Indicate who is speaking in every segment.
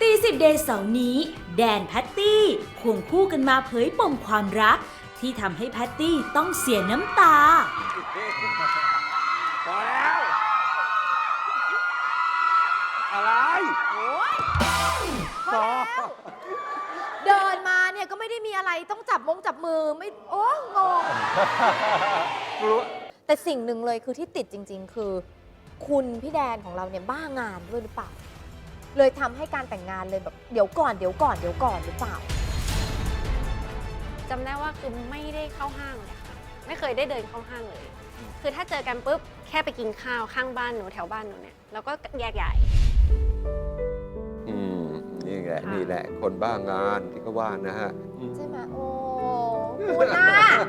Speaker 1: ตีสิบเดย์เสาร์นี้แดนแพตตี้ควงคู่กันมาเผยปมความรักที่ทำให้แพตตี้ต้องเสียน้ำตา
Speaker 2: พอแล้วอะไร
Speaker 3: พอเดินมาเนี่ยก็ไม่ได้มีอะไรต้องจับมือไม่โอ้งงแต่สิ่งหนึ่งเลยคือที่ติดจริงๆ คือคุณพี่แดนของเราเนี่ยบ้างานด้วยหรือเปล่าเลยทำให้การแต่งงานเลยแบบเดี๋ยวก่อนหรือเปล่า
Speaker 4: จำได้ว่าคือไม่ได้เข้าห้างเลยค่ะไม่เคยได้เดินเข้าห้างเลย คือถ้าเจอกันปุ๊บแค่ไปกินข้าวข้างบ้านหนูแถวบ้านหนูเนี่ยแล้วก็แยกย้าย
Speaker 2: นี่แหละคนบ้างานที่เขาว่านะฮะ
Speaker 3: ใช่ไหมโอ้คุณน่ะ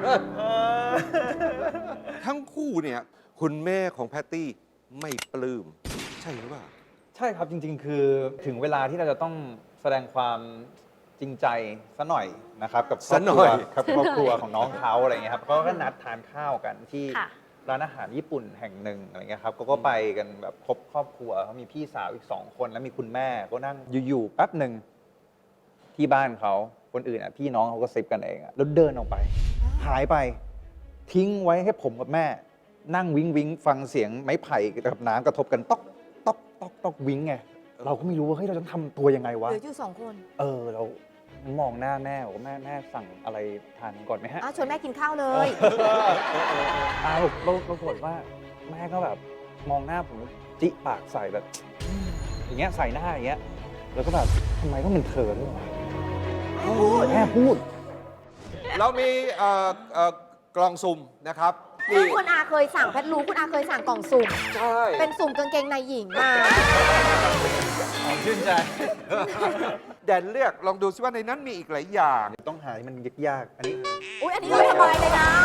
Speaker 2: ทั้งคู่เนี่ยคุณแม่ของแพตตี้ไม่ปลื้มใช่หรือเปล่า
Speaker 5: ใช่ครับจริงๆ คือถึงเวลาที่เราจะต้องแสดงความจริงใจซะหน่อยนะครับกับครอบครัวของน้องเขาอะไรเงี้ยครับเขาก็นัดทานข้าวกันที่ร้านอาหารญี่ปุ่นแห่งหนึ่งอะไรเงี้ยครับก็ไปกันแบบครบครอบครัวเขามีพี่สาวอีก2 คนแล้วมีคุณแม่ก็นั่งอยู่ๆแป๊บหนึ่งที่บ้านเขาคนอื่นอ่ะพี่น้องเขาก็ซิปกันเองอ่ะแล้วเดินออกไปหายไปทิ้งไว้ให้ผมกับแม่นั่งวิ้งฟังเสียงไม้ไผ่กับน้ำกระทบกันต๊อกวิ้งไงเราก็ไม่รู้ว่าเฮ้ยเราจะทำตัวยังไงวะ
Speaker 3: เหลืออยู่2 คน
Speaker 5: เรามองหน้าแม่บอกว่าแม่สั่งอะไรทานก่อนไหมฮะ
Speaker 3: ชวนแม่กินข้าวเลย
Speaker 5: เราปรากฏว่าแม่ก็แบบมองหน้าผมจิปากใส่แบบอย่างเงี้ยใส่หน้าอย่างเงี้ยแล้วก็แบบทำไมต้องเป็นเธอด้วยแม่พูด
Speaker 2: เรามีกล่องสุ่มนะครับ
Speaker 3: ซึ่งคุณอาเคยสั่งแพทรู้คุณอาเคยสั่งกล่องสุ่ม
Speaker 2: ใช่
Speaker 3: เป็นสุ่มกางเกงในหญิงมา
Speaker 5: ชื่นใจ
Speaker 2: แดนเลือกลองดูซิว่าในนั้นมีอีกหลายอย่าง
Speaker 5: ต้องหาที่มันยากๆอันนี้
Speaker 3: อันนี้ก็สบายเลยนะ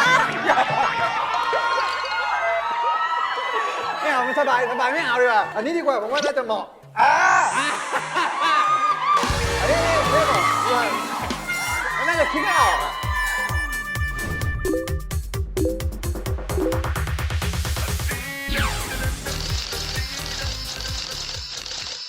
Speaker 5: ไม่เอาไม่สบายไม่เอาดีกว่าอันนี้ดีกว่าผมว่าน่าจะเหมาะอันนี้ไม่เหมาะน่าจะคิดไม่ออก